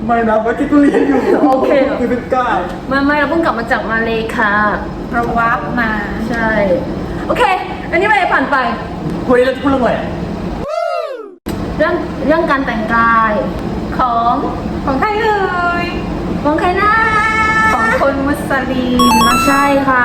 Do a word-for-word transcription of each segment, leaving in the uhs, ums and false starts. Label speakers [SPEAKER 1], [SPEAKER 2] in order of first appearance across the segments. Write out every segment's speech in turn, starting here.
[SPEAKER 1] ไม่นะเมื่อกี้กูเรียนอยู่โอเคคือเป็นกาย
[SPEAKER 2] ไม่ไม่เราเพิ่งกลับมาจากมาเลยค่ะ
[SPEAKER 3] เราวับมา
[SPEAKER 2] ใช่โอเคอันนี้ไปผ่านไป
[SPEAKER 1] วันนี้เราจะพูดเรื่องอะไร
[SPEAKER 2] เรื่องเรื่องการแต่งกายของ
[SPEAKER 3] ของใครเอ่ย
[SPEAKER 2] ของใครนะ
[SPEAKER 3] ของคนมุสลิม
[SPEAKER 2] มาใช่ค่ะ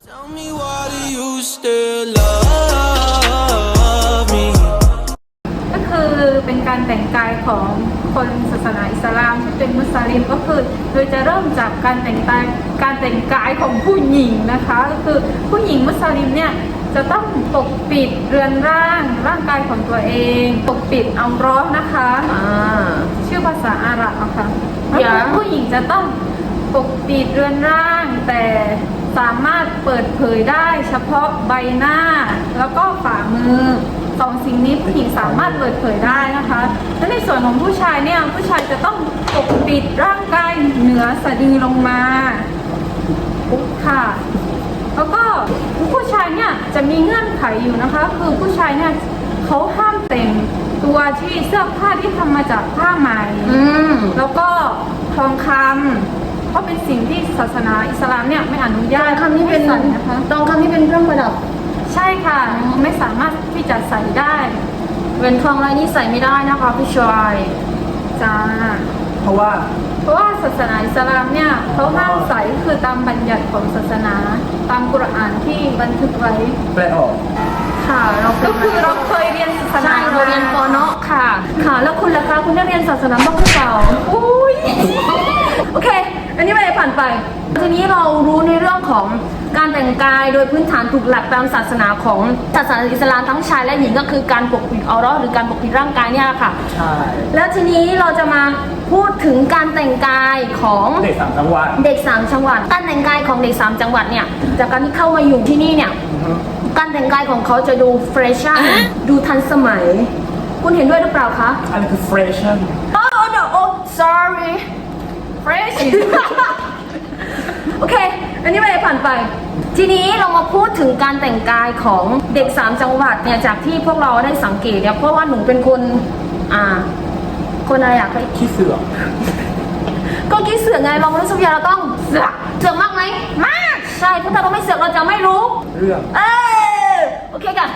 [SPEAKER 3] ก็คือเป็นการแต่งกายของคนศาสนาอิสลามที่เป็นมุสลิมก็คือโดยจะเริ่มจากการแต่งกายการแต่งกายของผู้หญิงนะคะก็คือผู้หญิงมุสลิมเนี่ยจะต้องปกปิดเรือนร่างร่างกายของตัวเองปกปิดอัลเลาะห์นะคะชื่อภาษาอาหรับนะคะผู้หญิงจะต้องปกปิดเรือนร่างแต่สามารถเปิดเผยได้เฉพาะใบหน้าแล้วก็ฝ่ามือสองสิ่งนี้ผู้หญิงสามารถเปิดเผยได้นะคะและในส่วนของผู้ชายเนี่ยผู้ชายจะต้องปกปิดร่างกายเหนือสะดือลงมาค่ะแล้วก็ผู้ชายเนี่ยจะมีเงื่อนไขอยู่นะคะคือผู้ชายเนี่ยเขาห้ามแต่งตัวที่เสื้อผ้าที่ทำมาจากผ้าไหมแล้วก็ทองคำเพราะเป็นสิ่งที่ศาสนาอิสลามเนี่ยไม่อนุญาต
[SPEAKER 2] ทองคำนี่เป็นนะคะทองคำนี่เป็นเครื่องประดับ
[SPEAKER 3] ใช่ค่ะไม่สามารถที่จะใส่ได้
[SPEAKER 2] เว้นทองลายนี้ใส่ไม่ได้นะคะพี่ชาย
[SPEAKER 3] จ้า
[SPEAKER 1] เพราะว่า
[SPEAKER 3] เพราะว่าศาสนาอิสลามเนี่ยเขาห้ามใส่คือตามบัญญัติของศาสนาตามกุรอานที่บันทึกไว้
[SPEAKER 1] แปลออก
[SPEAKER 2] ค่ะเรา
[SPEAKER 3] ก็คือเราเคยเรียนศาสนา
[SPEAKER 2] เราเรียนปเนาะค่ะค่ะแล้วคุณล่ะคะคุณได้เรียนศาสนาบ้างหรือเปล่า
[SPEAKER 3] อุ้ย
[SPEAKER 2] โอเคอันนี้ไปผ่านไปทีนี้เรารู้ในเรื่องของการแต่งกายโดยพื้นฐานถูกหลักตามศาสนาของศาสนาอิสลามทั้งชายและหญิงก็คือการปกปิดอัลเลาะห์หรือการปกปิดร่างกายเนี่ยค่ะ
[SPEAKER 1] ใช่
[SPEAKER 2] แล้วทีนี้เราจะมาพูดถึงการแต่งกายของ
[SPEAKER 1] เด็กสามจังหวัด
[SPEAKER 2] เด็กสามจังหวัดการแต่งกายของเด็กสามจังหวัดเนี่ยจากการที่เข้ามาอยู่ที่นี่เนี่ยการแต่งกายของเขาจะดูเฟรชชั่นดูทันสมัยคุณเห็นด้วยหรือเปล่าคะ
[SPEAKER 1] อะไรคือเฟรชชั่น
[SPEAKER 2] โอ้ no oh sorry fresh โอเคอันนี้ไปผ่านไปทีนี้เรามาพูดถึงการแต่งกายของเด็กสามจังหวัดเนี่ยจากที่พวกเราได้สังเกตเนี่ยเพราะว่าหนูเป็นคนอ่าคนอะไรอยากให้
[SPEAKER 1] ขี้เสือก
[SPEAKER 2] ก็ขี้เสือกไงเรารู้สึกว่าเราต้องเสือกเสือกมากไหมมากใช่เพราะถ้าเราไม่เสือกเราจะไม่รู้
[SPEAKER 1] เรื่อง
[SPEAKER 2] เออโอเคกัน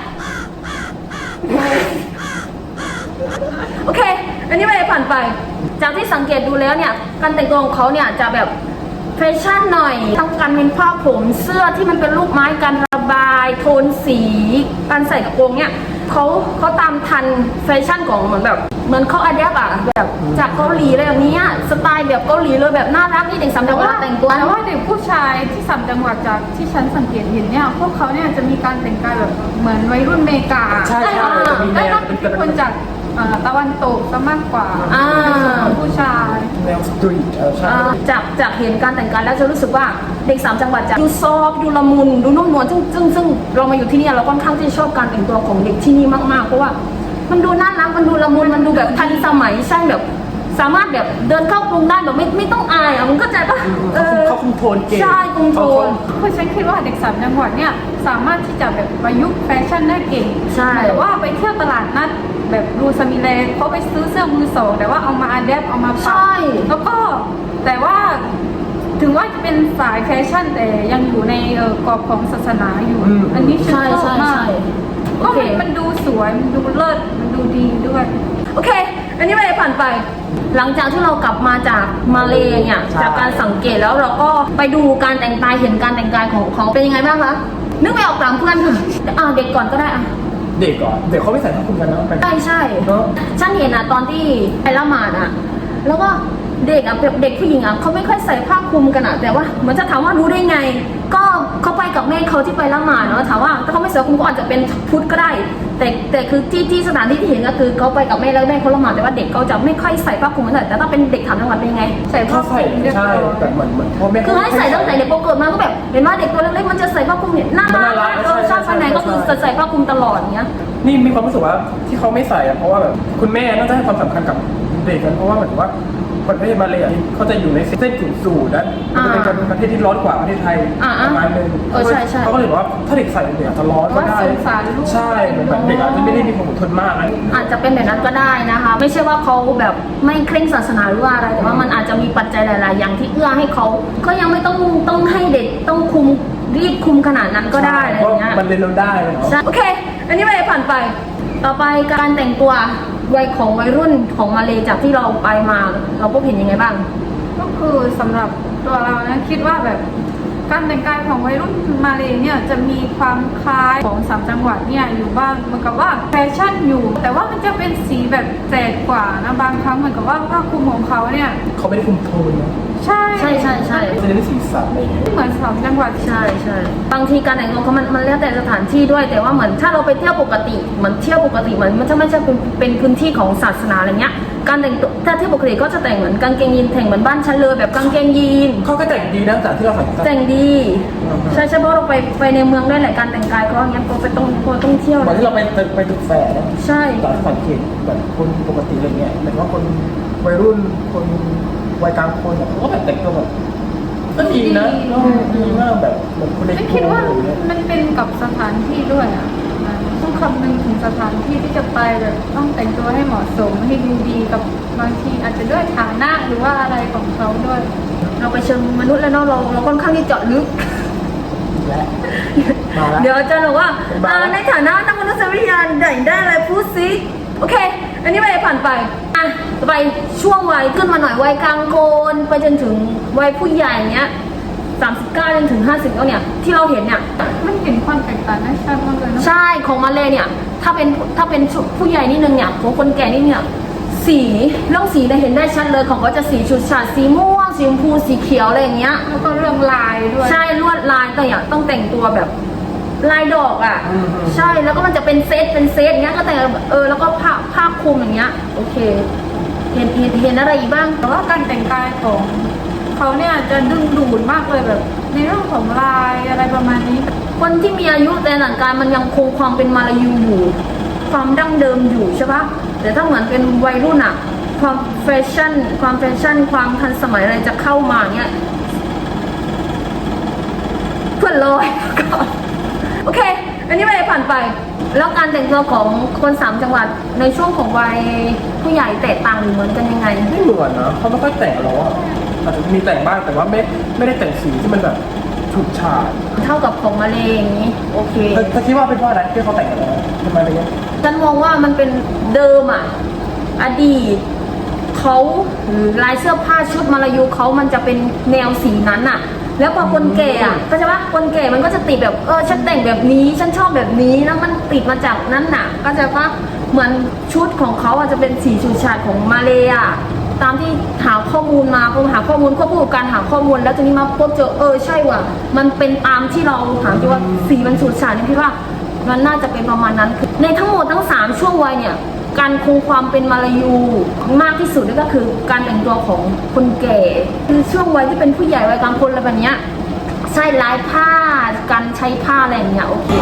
[SPEAKER 2] โอเคอันนี้ไปผ่านไปจากที่สังเกตดูแล้วเนี่ยการแต่งตัวของเขาเนี่ยจะแบบแฟชั่นหน่อยต้องการเป็นผ้าผมเสื้อที่มันเป็นรูปไม้การระบายโทนสีการใส่กระโปรงเนี่ยเขาเขาตามทันแฟชั่นของเหมือนแบบเหมือนเขาอัดแอปอะแบบจากเกาหลีอะไรแบบนี้สไตล์แบบเกาหลีเลยแบบน่ารักที่เด็กสามจังหวัดแต่งตัว
[SPEAKER 3] แต่ว่าเด็กผู้ชายที่สามจังหวัดจากที่ฉันสังเกตเห็นเนี่ยพวกเขาเนี่ยจะมีการแต่งกายแบบเหมือนวัยรุ่นเมกา
[SPEAKER 1] ใช่ใช่
[SPEAKER 3] ได้รับอิทธิพลจากตะวันตกซะมากกว่าผู้ชาย
[SPEAKER 1] แนวสตรีทใช่
[SPEAKER 2] จากจากเห็นการแต่งกายแล้วจะรู้สึกว่าเด็กสามจังหวัดจะดูซอฟดูละมุนดูนุ่มนวลซึ่งซึ่งซึ่งเรามาอยู่ที่นี่เราค่อนข้างที่ชอบการแต่งตัวของเด็กที่นี่มากๆเพราะว่ามันดูน่ารักมันดูละมุนมันดูแบบทันสมัยใช่แบบสามารถแบบเดินเข้ากรุงได้แบบไม่ไม่ต้องอายอ่ะมันก็จะปะ
[SPEAKER 1] เออเขาคุมโทนเก่ง
[SPEAKER 2] ใช่คุมโทน
[SPEAKER 3] เพราะฉันคิดว่าเด็กสามจังหวัดเนี่ยสามารถที่จะแบบประยุกต์แฟชั่นได้เก่ง
[SPEAKER 2] ใช่
[SPEAKER 3] แต่ว่าไปเที่ยวตลาดนัดแบบรูซามิเลเขาไปซื้อเสื้อมือสองแต่ว่าเอามาอัดแอปเอามาปักแล้วก็แต่ว่าถึงว่าจะเป็นสายแฟชั่นแต่ยังอยู่ในกรอบของศาสนาอยู่อันนี้ฉันชอบมากก็มันดูสวยมันดูเลิศมันดูดีด้วย
[SPEAKER 2] โอเคอันนี้ไปผ่านไปหลังจากที่เรากลับมาจากมาเลเนี่ยจากการสังเกตแล้วเราก็ไปดูการแต่งกายเห็นการแต่งกายของเขาเป็นยังไงบ้างคะนึกไม่ออกตามเพื่อนค่ะอ่าเด็กก่อนก็ได้อ่ะ
[SPEAKER 1] เด็กก่อนเด็กเขาไม่ใส่ผ้าคลุมกันเนาะ
[SPEAKER 2] ใช่ใช่ฉันเห็นอ่ะตอนที่ไปละหมาดอ่ะแล้วก็เด็กอ่ะเด็กผู้หญิงอ่ะเขาไม่ค่อยใส่ผ้าคลุมกันอ่ะแต่ว่าเหมือนจะถามว่ารู้ได้ไงก็เขาไปกับแม่เขาที่ไปละหมาดเนาะถามว่าถ้าเขาไม่ใส่คลุมก็อาจจะเป็นพุทธก็ได้แต่แต่คือที่ที่สถานที่ที่เห็นก็คือเขาไปกับแม่แล้วแม่เขาละหมาดแต่ว่าเด็กเขาจะไม่ค่อยใส่ผ้าคลุมกันแต่ถ้าเป็นเด็กถามจังหวัดเป็นไง
[SPEAKER 1] ใส่ผ้าคลุมใช่แต่เหมือนเหมือนพ่อแม่
[SPEAKER 2] คือให้ใส่ตั้งแต่เด็กพอเกิดมาก็แบบเห็นว่าเด็กตัวเล็กๆมันจะใส่ผ้าคลุมเนี่ยน่ารักเออชอบไปไหนก็คือใส่ผ้าคลุมตลอดอย่างเงี้ย
[SPEAKER 1] นี่มีความรู้สึกว่าที่เขาไม่ใส่อะเพราะว่าแบบคุณแม่น่าจะให้ความสำคัญกับเด็กกันเพราะว่าเหมือนว่าประเทศมาเลยอ่ะเขาจะอยู่ในเส้นศูนย์สูตรนะมันจะเป็นประเทศที่ร้อนกว่าประเทศไทย
[SPEAKER 2] อ่า
[SPEAKER 1] ประมาณนึง
[SPEAKER 2] เออใช่ใช่
[SPEAKER 1] เขาก็เลยบอกว่าถ้าเด็กใส่เด็กอาจจะร้อนก็ได้
[SPEAKER 3] ว่าสงสารลูก
[SPEAKER 1] ใช่เหมือนแบบเด็กอาจจะไม่ได้มีความอดทนมากนะ
[SPEAKER 2] อาจจะเป็นแบบนั้นก็ได้นะคะ ไม่ใช่ว่าเขาแบบไม่เคร่งศาสนาหรือว่าอะไรแต่ว่ามันอาจจะมีปัจจัยหลาย ๆ อย่างที่เอื้อให้เขาก็ยังไม่ต้องต้องให้เด็กต้องคุมรีบคุมขนาดนั้นก็ได้อะไรอย่างเงี้ย
[SPEAKER 1] มันเรียนรู้ได้เลยเนาะ
[SPEAKER 2] ใช่โอเค อันนี้ไปผ่านไป ต่อไปการแต่งตัววัยของวัยรุ่นของมาเลจากที่เราไปมา เราพบเห็นยังไงบ้าง
[SPEAKER 3] ก็คือสำหรับตัวเรานะคิดว่าแบบการแต่งกายของวัยรุ่นมาเลเนี่ยจะมีความคล้ายของสามจังหวัดเนี่ยอยู่บ้างเหมือนกับว่าแฟชั่นอยู่ แต่ว่ามันจะเป็นสีแบบแจกกว่านะบางครั้งเหมือนกับว่าผ้าคลุมของเขาเนี่ย
[SPEAKER 1] เขาไม่ได้คุมโทนนะ
[SPEAKER 3] ใช่
[SPEAKER 2] ใช่ใช่ใช่
[SPEAKER 1] จะได้สีสันอะไรอย่างเงี้ย
[SPEAKER 3] เหมือนสามจังหวัด
[SPEAKER 2] ใช่ใช่บางทีการแต่งตัวเขามันมันแล้วแต่สถานที่ด้วย แต่ว่าเหมือนถ้าเราไปเที่ยวปกติเหมือนเที่ยวปกติเหมือนมันจะไม่ใช่เป็นเป็นพื้นที่ของศาสนาอะไรเงี้ย การแต่งตัวถ้าเที่ยวปกติก็จะแต่งเหมือนกางเกงยีนแต่งเหมือนบ้านฉันเลยแบบกางเกงยีน
[SPEAKER 1] เขาก็แต่งดีนะแต่ที่เราใส่
[SPEAKER 2] แต่งดี ใช่ใช่เพราะเราไปไปในเมืองด้วยแหละการแต่งกายเขาอย่างเงี้ยก็ไปต้องก็ต้องเที่ยว
[SPEAKER 1] เหมือนที่เราไปไปตึกแฝดนะ
[SPEAKER 2] ใช่
[SPEAKER 1] ตอนสังเกตแบบคนปกติอะไรเงี้ยเหมือนว่าคนวัยรุ่นคนวัยกลางคนอะเขาก็แบบแต่งตัวแบบก็ดีนะเนอะดีมากแบบเหมือนคนใน
[SPEAKER 3] ไม่
[SPEAKER 1] ก
[SPEAKER 3] คิด
[SPEAKER 1] รุง
[SPEAKER 3] ว่า
[SPEAKER 1] อะไรเงี้ย
[SPEAKER 3] มันเป็นกับสถานที่ด้วยอ่ะต้องคำนึงถึงสถานที่ที่จะไปแบบต้องแต่งตัวให้เหมาะสมให้ดูดีกับบางทีอาจจะด้วยฐานะหรือว่าอะไรของเขาด้วย
[SPEAKER 2] เราไปเชิงมนุษย์แล้วเนาะเราเราค่อนข้างที่เจาะลึก
[SPEAKER 1] และมาแล้ว
[SPEAKER 2] เดี๋ยวอาจารย์บอกว่า
[SPEAKER 1] มาแล้ว
[SPEAKER 2] อ่าในฐานะนักมนุษยวิทยาไหนได้อะไรพูดสิโอเค อันนี้ไปผ่านไปอ่ะไปช่วงวัยขึ้นมาหน่อยวัยกลางคนไปจนถึงวัยผู้ใหญ่เนี้ยสามสิบเก้าจนถึงห้าสิบแล้วเนี่ยที่เราเห็นเนี่ย
[SPEAKER 3] มันเห็นความแตกต่างได้ชัดมากเลยเนอะ
[SPEAKER 2] ใช่ของมาเลยเนี่ยถ้าเป็นถ้าเป็นผู้ใหญ่นิดนึงเนี่ยของคนแก่นี่เนี่ยสีเรื่องสีเนี่ยเห็นได้ชัดเลยของก็จะสีชุดฉาดสีม่วงสีชมพูสีเขียวอะไรอย่างเงี้ย
[SPEAKER 3] แล้วก็เรื่องลายด้วย
[SPEAKER 2] ใช่ลวดลายก็อย่างต้องแต่งตัวแบบลายดอกอ่ะ
[SPEAKER 1] อืม
[SPEAKER 2] ใช่แล้วก็มันจะเป็นเซตเป็นเซตอย่างเงี้ยก็แต่งเออแล้วก็ผ้าผ้าคลุมอย่างเงี้ยโอเค เห็นเห็นเห็นอะไรอีกบ้าง
[SPEAKER 3] แต่ว่าการแต่งกายของเขาเนี่ยจะดึงดูดมากเลยแบบ ในเรื่องของลายอะไรประมาณนี้
[SPEAKER 2] คนที่มีอายุแต่หลังกายมันยังคงความเป็นมาลายูอยู่ ความดั้งเดิมอยู่ใช่ปะแต่ถ้าเหมือนเป็นวัยรุ่นอะความแฟชั่น ความแฟชั่น ความทันสมัยอะไรจะเข้ามาเนี้ยเพื่อนลอยก่อนโอเค อันนี้ไปผ่านไป แล้วการแต่งตัวของคนสามจังหวัดในช่วงของวัยผู้ใหญ่แตกต่างหรือเหมือนกันยังไง
[SPEAKER 1] ไม่เหมือนนะเขาไม่ค่อยแต่งหรอกอะอาจจะมีแต่งบ้างแต่ว่าไม่ไม่ได้แต่งสีที่มันแบบฉูดฉาด
[SPEAKER 2] เท่ากับของมาเลอย่างนี้ โอเค
[SPEAKER 1] แต่แต่คิดว่าเป็นเพราะอะไรที่เขาแต่งกันแล้วทำไมอะไรเงี้ย
[SPEAKER 2] ฉันมองว่ามันเป็นเดิมอ่ะ อดีตเขาหรือลายเสื้อผ้าชุดมาลายูเขามันจะเป็นแนวสีนั้นอ่ะ แล้วพอคนแก่อ่ะก็จะว่าคนแก่มันก็จะติดแบบเออฉันแต่งแบบนี้ฉันชอบแบบนี้แล้วมันติดมาจากนั้นน่ะ ก็จะว่าเหมือนชุดของเขาอาจจะเป็นสีฉูดฉาดของมาเลยอ่ะตามที่หาข้อมูลมาพอหาข้อมูลควบคู่กับการหาข้อมูลแล้วทีนี้มาพบเจอเออใช่ว่ะมันเป็นตามที่เราหาที่ว่าสีมันฉูดฉาดนี่พี่ว่า มันน่าจะเป็นประมาณนั้นคือในทั้งหมดทั้งสามช่วงวัยเนี่ย การคงความเป็นมาลายูมากที่สุดนั่นก็คือการแต่งตัวของคนแก่ คือช่วงวัยที่เป็นผู้ใหญ่วัยกลางคนอะไรแบบเนี้ยใช่ลายผ้าการใช้ผ้าอะไรอย่างเงี้ยโอเค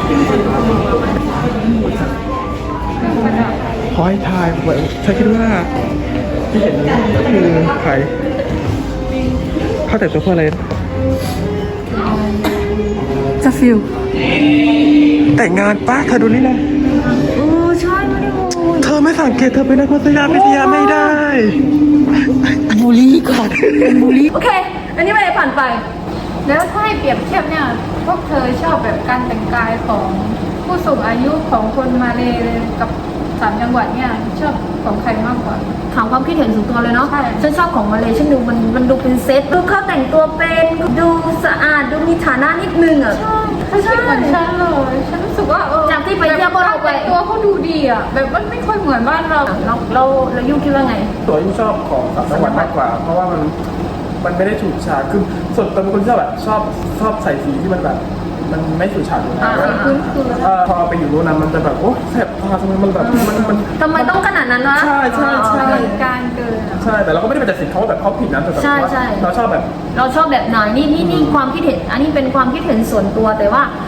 [SPEAKER 1] ขอให้ทายว่าฉันคิดว่าที่เห็นก็คือใครเขาแต่งตัวเพื่ออะไร
[SPEAKER 2] จะฟิล
[SPEAKER 1] แต่งงานป้าเธอดูนี่นะ
[SPEAKER 2] โอ้ใช่ไม่ได้โมย
[SPEAKER 1] เธอไม่สังเกตเธอเป็นนักวิทยาวิทยาไม่ได้
[SPEAKER 2] บูลลี่ก่อนเป็นบูลลี่โอเค อันนี้ไปผ่านไป
[SPEAKER 3] แล้วถ้าให้เปรียบเทียบเนี่ยพวกเธอชอบแบบการแต่งกายของผู้สูงอายุของคนมาเลกับสามจังหวัดเนี่ยชอบของใครมากกว่า
[SPEAKER 2] ถามความคิดเห็นส่วนตัวเลยเนาะ
[SPEAKER 3] ใช่
[SPEAKER 2] ฉันชอบของมาเลยฉันดูมันมันดูเป็นเซตดูเขาแต่งตัวเป็นดูสะอาดดูมีฐานะนิดนึงอ่ะ
[SPEAKER 3] เขาคิดเหมือนฉันเลยฉันรู้สึกว่าเออ
[SPEAKER 2] จากที่ไปเที่ยวพวกเราไป
[SPEAKER 3] แต่งตัวเขาดูดีอ่ะแบบมันไม่ค่อยเหมือนบ้านเรา
[SPEAKER 2] เราเราเรายุ่งคิดว่าไง
[SPEAKER 1] ตัวที่ชอบของสามจังหวัดมากกว่า เพราะว่ามันมันไม่ได้ฉูดฉาดคือส่วนตัวเป็นคนที่ชอบแบบชอบชอบใส่สีที่มันแบบ มันไม่ฉูดฉาดอยู่แล้ว
[SPEAKER 2] อ่า
[SPEAKER 3] พื้นคือ
[SPEAKER 1] เออพอไปอยู่นู้นนะมันจะแบบโอ้แสบตาทำไมมันแบบมันมัน
[SPEAKER 2] ทำไมต้องขนาดนั้นวะ
[SPEAKER 1] ใช่ใช่ใช่
[SPEAKER 3] เกินการเกินอะ
[SPEAKER 1] ใช่แต่เราก็ไม่ได้ไปตัดสินเขาว่าแบบเขาผิดนะแต่แบบ
[SPEAKER 2] ใช่
[SPEAKER 1] ว่า
[SPEAKER 2] ใช่
[SPEAKER 1] เราชอบแบบ
[SPEAKER 2] เราชอบแบบไหนนี่นี่นี่ความคิดเห็น อันนี้เป็นความคิดเห็นส่วนตัวแต่ว่า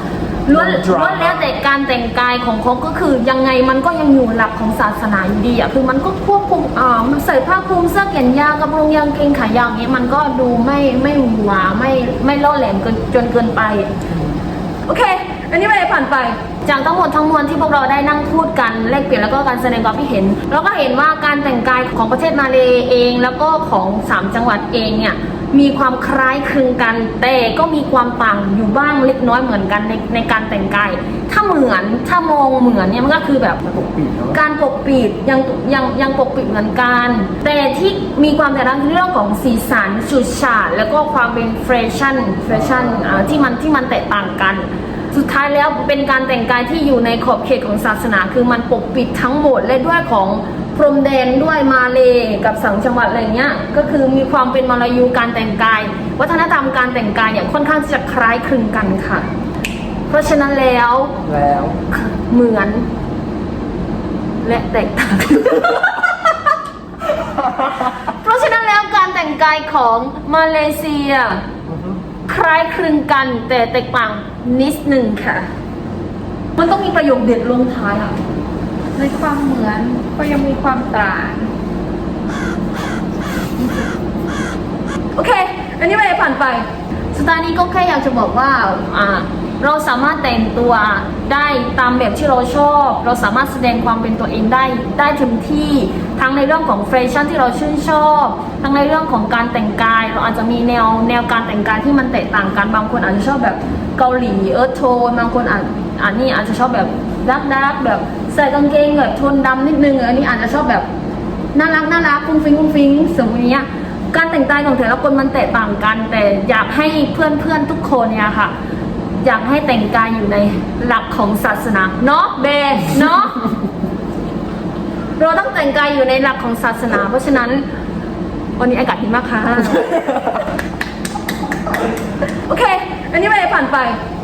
[SPEAKER 2] ล้วนล้วนแล้วแต่การแต่งกายของเขาก็คือยังไงมันก็ยังอยู่หลักของศาสนาอยู่ดีอ่ะคือมันก็ควบคุมอ่ามันใส่ผ้าคลุมเสื้อแขนยาวกระโปรงยางเกงขายาวอย่างนี้มันก็ดูไม่ไม่หวาไม่ไม่ล่อแหลมเกินจนเกินไปโอเคอันนี้ไม่ได้ผ่านไปจากทั้งหมดทั้งมวลที่พวกเราได้นั่งพูดกันแลกเปลี่ยนแล้วก็การแสดงความคิดเห็นเราก็เห็นว่าการแต่งกายของประเทศมาเลเองแล้วก็ของสามจังหวัดเองเนี่ยมีความคล้ายคลึงกันแต่ก็มีความต่างอยู่บ้างเล็กน้อยเหมือนกันในในการแต่งกายถ้าเหมือนถ้ามองเหมือนเนี่ยมันก็คือแบบ
[SPEAKER 1] ปกปิดเนาะ
[SPEAKER 2] การปกปิดยังยังยังปกปิดเหมือนกัน แต่ที่มีความแตกต่างคือเรื่องของสีสันฉูดฉาดแล้วก็ความเป็นแฟชั่นแฟชั่นอ่าที่มันที่มันแตกต่างกัน สุดท้ายแล้วเป็นการแต่งกายที่อยู่ในขอบเขตของศาสนาคือมันปกปิดทั้งหมดและด้วยของพรมแดนด้วยมาเลกับสังจังหวัดอะไรเงี้ยก็คือมีความเป็นมาลายูการแต่งกาย วัฒนธรรมการแต่งกายเนี่ยค่อนข้างจะคล้ายคลึงกันค่ะ เพราะฉะนั้นแล้ว
[SPEAKER 1] แล้ว
[SPEAKER 2] เหมือน และแตกต่าง เพราะฉะนั้นแล้วการแต่งกายของมาเลเซีย คล้ายคลึงกันแต่แตกต่างนิดหนึ่งค่ะ มันต้องมีประโยคเด็ดลงท้ายอ่ะ
[SPEAKER 3] ในความเหมือนก็ยังมีความต่าง
[SPEAKER 2] โอเค อันนี้ไม่ได้ผ่านไปสุดท้ายนี้ก็แค่อยากจะบอกว่าอ่า เราสามารถแต่งตัวได้ตามแบบที่เราชอบ เราสามารถแสดงความเป็นตัวเองได้ได้เต็มที่ ทั้งในเรื่องของแฟชั่นที่เราชื่นชอบ ทั้งในเรื่องของการแต่งกาย เราอาจจะมีแนวแนวการแต่งกายที่มันแตกต่างกัน บางคนอาจจะชอบแบบเกาหลีเอิร์ธโทน บางคนอาจอันนี้อาจจะชอบแบบดักดักแบบใส่กางเกงแบบโทนดำนิดนึง อันนี้อาจจะชอบแบบน่ารักน่ารักฟุ้งฟิ้งฟุ้งฟิ้งสมมติเนี้ย การแต่งกายของแต่ละคนมันแตกต่างกัน แต่อยากให้เพื่อนเพื่อนๆทุกคนเนี่ยค่ะ อยากให้แต่งกายอยู่ในหลักของศาสนาเนาะเบเนาะ เราต้องแต่งกายอยู่ในหลักของศาสนา เพราะฉะนั้นวันนี้อากาศดีมากค่ะ โอเค อันนี้ไม่ได้ผ่านไป